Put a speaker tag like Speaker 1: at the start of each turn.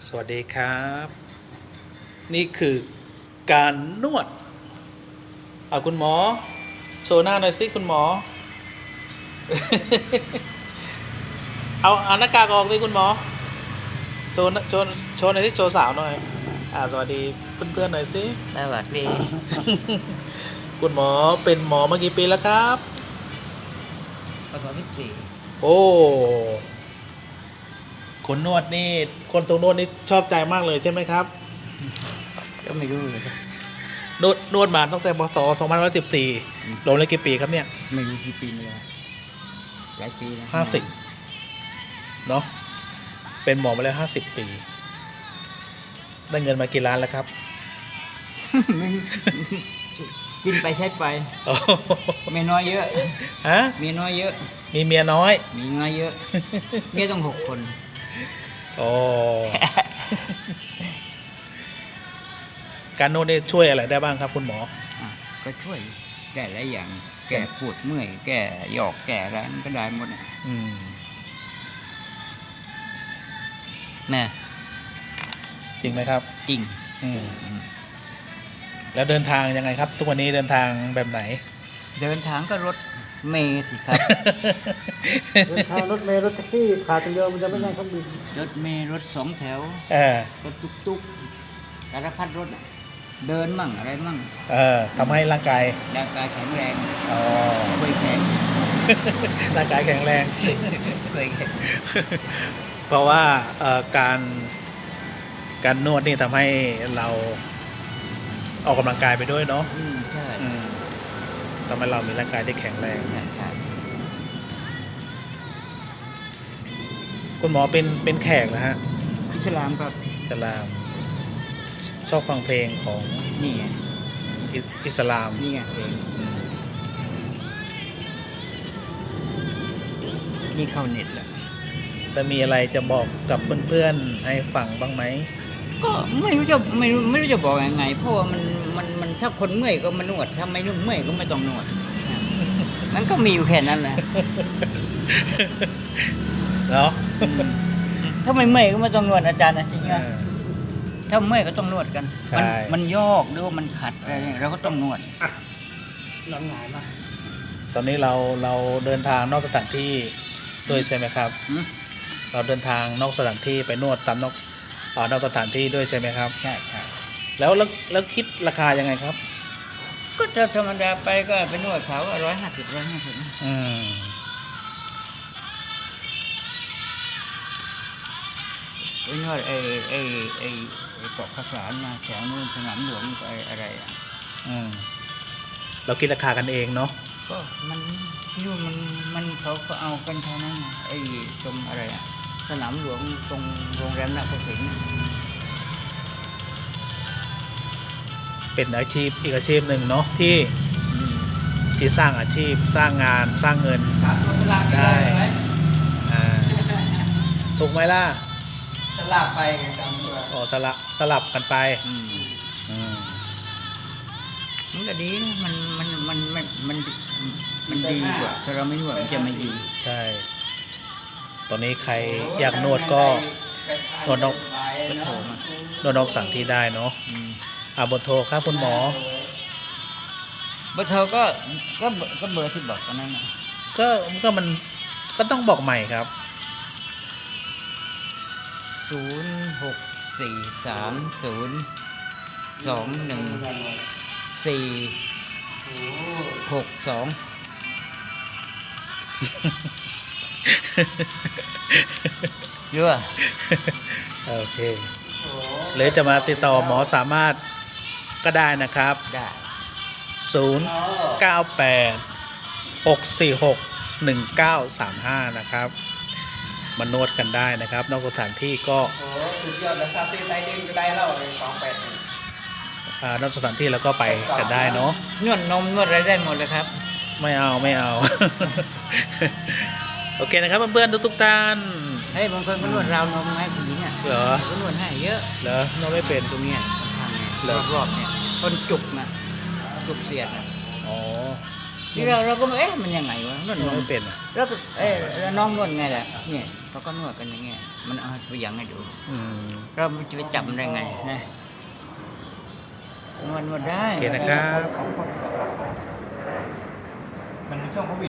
Speaker 1: สวัสดีครับ นี่คือการนวดเอาคุณหมอโชว์หน้าหน่อยสิคุณหมอ เอาหน้ากากออกสิคุณหมอโชว์หน่อยที่โชว์สาวหน่อยสวัสดีเพื่อนๆหน่อยสิ
Speaker 2: สวัสดี
Speaker 1: คุณหมอเป็นหมอมากี่ปีแล้วครับ
Speaker 2: ปศ14
Speaker 1: โอ้คนนวดนี่คนตรงนวดนี่ชอบใจมากเลยใช่ไหมครับ
Speaker 2: ก็ไม่รู้เลย
Speaker 1: นวดมาตั้งแต่พศ2514รวมแล้วกี่ปีครับเนี่ย
Speaker 2: ไม่รู้กี่ปีเลยหลายปีนะ
Speaker 1: 50เนาะเป็นหมอมาแล้ว50 ปีได้เงินมากี่ล้านแล้วครับ
Speaker 2: ไม่กินไปใช้ไป
Speaker 1: โอ้
Speaker 2: เมียน้อยเยอะ
Speaker 1: ฮะ
Speaker 2: เมียน้อยเยอะ
Speaker 1: มีเมียน้อย
Speaker 2: มีน้อยเยอะเมียต้อง6 คน
Speaker 1: โอ้ การนวดนี่ช่วยอะไรได้บ้างครับคุณหมอ
Speaker 2: ก็ช่วยแก้หลายอย่าง แก้ปวดเมื่อยแก้หยอกแก้อะไรมันก็ได้หมดน่ะ
Speaker 1: อืม
Speaker 2: แน่
Speaker 1: จริงไหมครับ
Speaker 2: จริง
Speaker 1: อืมแล้วเดินทางยังไงครับ ทุกวันนี้เดินทางแบบไหน
Speaker 2: เดินทางก็รถเมล์สิครับ
Speaker 3: เดินทางรถเมล์รถแท็กซี่ขาดตัวเดียวมันจะไม่ใช่เครื่องบิน
Speaker 2: รถเมล์รถ2 แถว
Speaker 1: เออ
Speaker 2: รถตุ๊กสารพัดรถน่ะเดินมั่งอะไรมั่ง
Speaker 1: ทำให้ร่างกาย
Speaker 2: ร่างกายแข็งแรง
Speaker 1: อ๋อ
Speaker 2: เคยแข็ง
Speaker 1: ร่างกายแข็งแรง
Speaker 2: เคยแข็ง
Speaker 1: เพราะว่าการนวดนี่ทำให้เราออกกำลังกายไปด้วยเนาะ
Speaker 2: ใช่
Speaker 1: ทำให้เรามีร่างกายที่แข็งแรง
Speaker 2: ใช่
Speaker 1: คุณหมอเป็นแขกนะฮะ
Speaker 2: อิสลามครับ
Speaker 1: อิสลามชอบฟังเพลงของ
Speaker 2: นี่ไง
Speaker 1: อิสลาม
Speaker 2: นี่ไงเพลงนี่เข้าเน็ตแล้ว
Speaker 1: แต่มีอะไรจะบอกกับเพื่อนๆให้ฟังบ้างไหม
Speaker 2: ก็ไม่รู้จะบอกยังไง เพราะว่ามันถ้าคนเมื่อยก็มานวดถ้าไม่นุ่มเมื่อยก็ไม่ต้องนวดมันก็มีอยู่แค่นั้นแหละ
Speaker 1: เนาะ
Speaker 2: ถ้าไม่เมื่อยก็ไม่ต้องนวดอาจารย์นะจริง
Speaker 1: เอ
Speaker 2: นะ
Speaker 1: อ
Speaker 2: ถ้าเมื่อยก็ต้องนวดกัน
Speaker 1: ใช่
Speaker 2: มันยอกหรือว่ามันขัดอะไรเนี่ยเราก็ต้องนวด
Speaker 3: หลังหงายมา
Speaker 1: ตอนนี้เราเดินทางนอกสถานที่ด้วยใช่ไหมครับ
Speaker 2: หืม
Speaker 1: เราเดินทางนอกสถานที่ไปนวดตามนอกสถานที่ด้วยใช่ไหมครับ
Speaker 2: ใช่ใช่
Speaker 1: แล้วคิดราคายังไงครับ
Speaker 2: ก็ถ้าธรรมดาไปก็ไปนวดเขาก็150
Speaker 1: อืม
Speaker 2: ไปนวดไอ้เกาะข้าวสารมาแถวนู้นสนามหลวงอะไรอ่ะ
Speaker 1: อืมเราคิดราคากันเองเนาะ
Speaker 2: ก็มันที่นู่นมันเขาก็เอากันเท่านั้นน่ะไอ้ตรงอะไรอ่ะสนามหลวงตรงโรงแรมนาคสินทร์น่ะ
Speaker 1: เป็นอาชีพอีกอาชีพหนึ่งเนาะที่
Speaker 2: อืม
Speaker 1: ที่สร้างอาชีพสร้างงานสร้างเงิน ได้ อ่าถูกไหมล่ะ
Speaker 2: สลับไปไงตามตัว
Speaker 1: อ๋อสลับกันไป
Speaker 2: อืม
Speaker 1: อืม
Speaker 2: มันก็ดีนะมันดีกว่าถ้าเราไม่นวดมันจะไม่ดี
Speaker 1: ใช่ ตอนนี้ใครอยากนวดก็นวดนอก
Speaker 2: ก็โทรมาน
Speaker 1: วดนอกสถานที่ได้เนาะ
Speaker 2: อืม
Speaker 1: เบอร์โทรครับคุณหมอ
Speaker 2: เบอร์โทรก็เบอร์ที่บอกตอนนั้นน่ะ
Speaker 1: มันก็ต้องบอกใหม่ครับ
Speaker 2: 0643021462 เยอะ
Speaker 1: โอเคหรือจะมาติดต่อหมอสามารถก็ได้นะครับ
Speaker 2: ได้
Speaker 1: 098 646 1935 นะครับ มานวดกันได้นะครับ นอกสถานที่ก็
Speaker 3: โอ้สุดยอดเลยคาเฟ่ไซเด้งก็ได้แล้ว28
Speaker 1: นอกสถานที่แล้วก็ไปกันได้เนาะ
Speaker 2: นวดนมนวดอะไรได้หมดเลยครับ
Speaker 1: ไม่เอา โอเคนะครับเพื่อนๆทุกท่าน
Speaker 2: เฮ้ยบางคนก็นวดราวนมให้ผู้หญิงอ่ะ
Speaker 1: เหรอ
Speaker 2: ก็นวดให้เยอะ
Speaker 1: เหรอนวดไม่เป็น
Speaker 2: ตรงเนี้ยข้างๆเนี่ย
Speaker 1: เหรอ
Speaker 2: รอบๆเนี่ยคนจุกนะจุกเสียดนะ
Speaker 1: อ๋อ
Speaker 2: ที่เราก็เอ๊ะมันยังไงวะนวด
Speaker 1: นวดไม่เป็นอ่ะ
Speaker 2: แล้วก็แล้วน้องนวดไงล่ะเนี่ยเขาก็นวดกันอย่างเงี้ยมันเอาตัวอย่างให้ดู
Speaker 1: อืม
Speaker 2: เราจะไปจับมันได้ไงนะนวดได้
Speaker 1: โอเคนะครับ
Speaker 3: มันมีช่องเขา